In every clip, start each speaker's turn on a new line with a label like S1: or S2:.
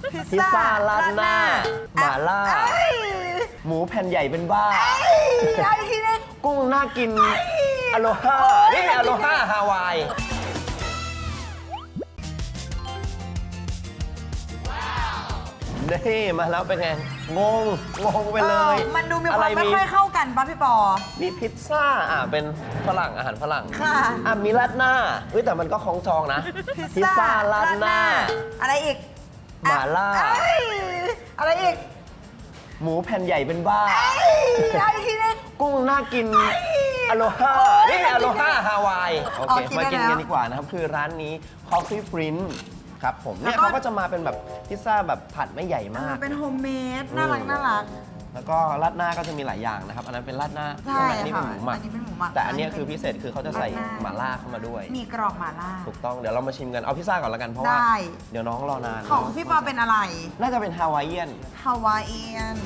S1: พิซซ่าราดหน้าหม่าล่าหมูแผ่นใหญ่เป็นบ้ากุ้งน่ากินอโลฮานี่อโลฮาฮาวายนี่มาแล้วเป็นไงงงไปเลย
S2: มันดูมีความไม่ค่อยเข้ากันป่ะพี่ปอ
S1: มีพิซซ่าเป็นฝรั่งอาหารฝรั่ง
S2: ค่ะ
S1: มีราดหน้าแต่มันก็คล้องจองนะพิซซ่าราดหน้า
S2: อะไรอีก
S1: หม่าล่า
S2: อะไรอีก
S1: หมูแผ่นใหญ่เป็นบ้ากุ้งน่ากินอโลฮานี่อโลฮาฮาวายโอเคมากินกันดีกว่านะครับคือร้านนี้ Coffee Prince ครับผมเนี่ยเขาก็จะมาเป็นแบบพิซซ่าแบบผัดไม่ใหญ่มาก
S2: เป็นโฮมเมดน่ารัก
S1: แล้วก็ราดหน้าก็จะมีหลายอย่างนะครับอันนั้นเป็นราดหน้า
S2: ใช่
S1: อันนี้เป็นหมูหมักแต่อันนี้คือพิเศษคือเขาจะใส่หม่าล่าเข้ามาด้วย
S2: มีกรอบหม่าล่า
S1: ถูกต้องเดี๋ยวเรามาชิมกันเอาพิซซ่าก่อนแล้วกันเพราะว่าเดี๋ยวน้องรอนาน
S2: ของพี่ปอเป็นอะไร
S1: น่าจะเป็นฮาวายเอียน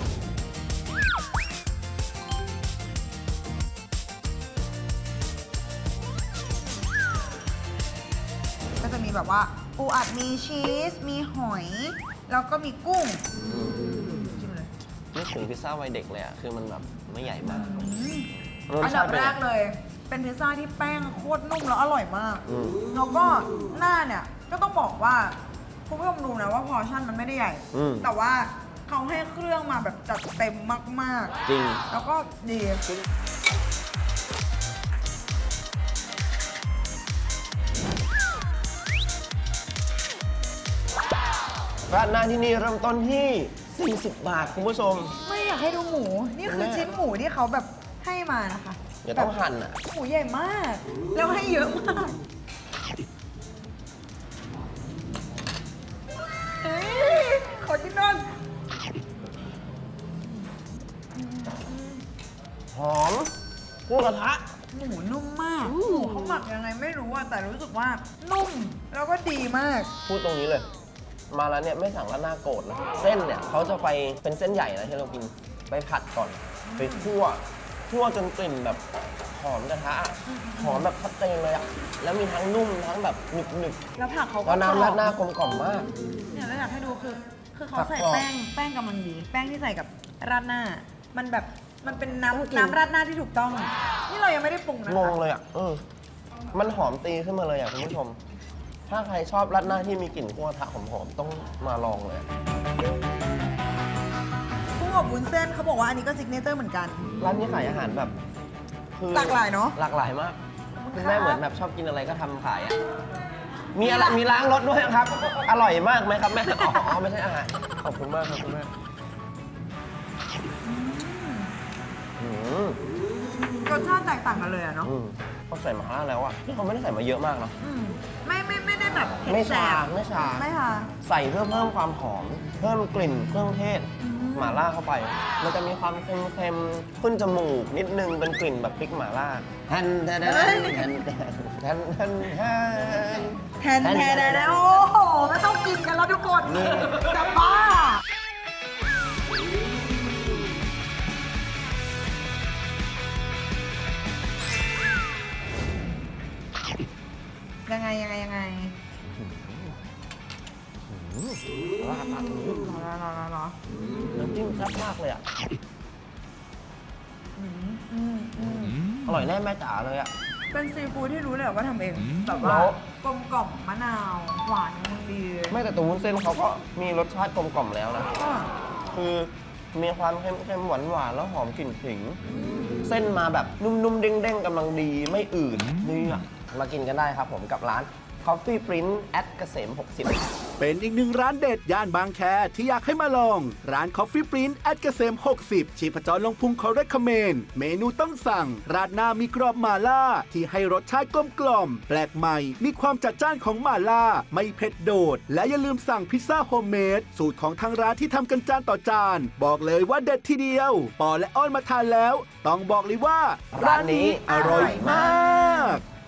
S2: ก็จะมีแบบว่าปูอัดมีชีสมีหอยแล้วก็มีกุ้งชิมเลย
S1: นึกถึงพิซซ่าวัยเด็กเลยอ่ะคือมันแบบไม่ใหญ่มาก
S2: อันดับแรกเลยเป็นพิซซ่าที่แป้งโคตรนุ่มแล้วอร่อยมากแล้วก็หน้าเนี่ยก็ต้องบอกว่าคุณผู้ชมดูนะว่าพอร์ชั่นมันไม่ได้ใหญ่แต่ว่าเขาให้เครื่องมาแบบจัดเต็มมาก
S1: ๆจริง
S2: แล้วก็ดี
S1: ร้านหน้าที่นี่เริ่มต้นที่40 บาทคุณผู้ชม
S2: ไม่อยากให้ดูหมูนี่คือชิ้นหมูที่เขาแบบให้มานะคะ
S1: เดี๋ยวต้องหั่น
S2: หมูใหญ่มากแล้วให้เยอะมากขอจิ้มนอน
S1: หอมกุ้งกระทะ
S2: หมูนุ่มมากหมูเขาหมักยังไงไม่รู้แต่รู้สึกว่านุ่มแล้วก็ดีมาก
S1: พูดตรงนี้เลยมาแล้วเนี่ยไม่สั่งราดหน้าโกรธนะเส้นเนี่ยเขาจะไปเป็นเส้นใหญ่นะที่เรากินไปผัดก่อนไปคั่วจนกลิ่นแบบหอมกระทะหอมแบบชัดเจนเลยอ่ะแล้วมีทั้งนุ่มทั้งแบบหนึบ
S2: แล้วผักเขาก็
S1: น้ำราดหน้ากลมกล่อมมาก
S2: เนี่ยเราอยากให้ดูคือเขาใส่แป้งกำลังดีแป้งที่ใส่กับราดหน้ามันแบบมันเป็นน้ำราดหน้าที่ถูกต้องนี่เรายังไม่ได้ปรุงนะ
S1: งงเลยอ่ะมันหอมตีขึ้นมาเลยอ่ะคุณผู้ชมถ้าใครชอบราดหน้าที่มีกลิ่นกุ้งกระทะหอมๆต้องมาลองเลย
S2: กุ้งอบวุ้นเส้นเขาบอกว่าอันนี้ก็ซิกเนเจอร์เหมือนกัน
S1: ร้านนี้ขายอาหารแบบ
S2: หลากหลายเนาะ
S1: หลากหลายมากคุณแม่เหมือนแบบชอบกินอะไรก็ทำขายอ่ะมีอะไรมีล้างรถด้วยครับอร่อยมากไหมครับแม่อ๋อไม่ใช่อาหารขอบคุณมากครับคุณแม่
S2: รสชาติแตกต่างกันเลยอะเนาะ
S1: เขาใส่หม่าล่าแล้วอะที่เขาไม่ได้ใส่มาเยอะมากเนาะ
S2: ไม่ได้แบบ
S1: ไม่ชาใส่เพื่อเพิ่มความหอมเพิ่มกลิ่นเครื่องเทศหม่าล่าเข้าไปมันจะมีความเค็มขึ้นจมูกนิดนึงเป็นกลิ่นแบบพริกหม่าล่าแทน
S2: โอ้โหไม่ต้องกินกันแล้วทุกคนจะบ้ายังไง
S1: ราดน้ำจิ้มแซ่บมากเลยอ่ะอร่อยแน่แม่จ๋าเลยอ่ะ
S2: เป็นซีฟู้ดที่รู้เลยว่าทำเองแบบว่ากลมกล่อมมะนาวหวานดี
S1: ไม่แต่ตัววุ้นเส้นเขาก็มีรสชาติกลมกล่อมแล้วนะคือมีความเค็มหวานแล้วหอมกลิ่นขิงเส้นมาแบบนุ่มๆเด้งๆกำลังดีไม่อืดนี่อ่ะมากินกันได้ครับผมกับร้าน Coffee Prince เกษม 60
S3: เป็นอีกหนึ่งร้านเด็ดย่านบางแคที่อยากให้มาลองร้าน Coffee Prince เกษม 60ชีพจรลงพุงเขาเรคคอมเมนเมนูต้องสั่งราดหน้ามีกรอบหม่าล่าที่ให้รสชาติกลมกล่อมแปลกใหม่มีความจัดจ้านของหม่าล่าไม่เผ็ดโดดและอย่าลืมสั่งพิซซ่าโฮมเมดสูตรของทางร้านที่ทำกันจานต่อจานบอกเลยว่าเด็ดทีเดียวปอและอ้อนมาทานแล้วต้องบอกเลยว่าร้านนี้อร่อยมาก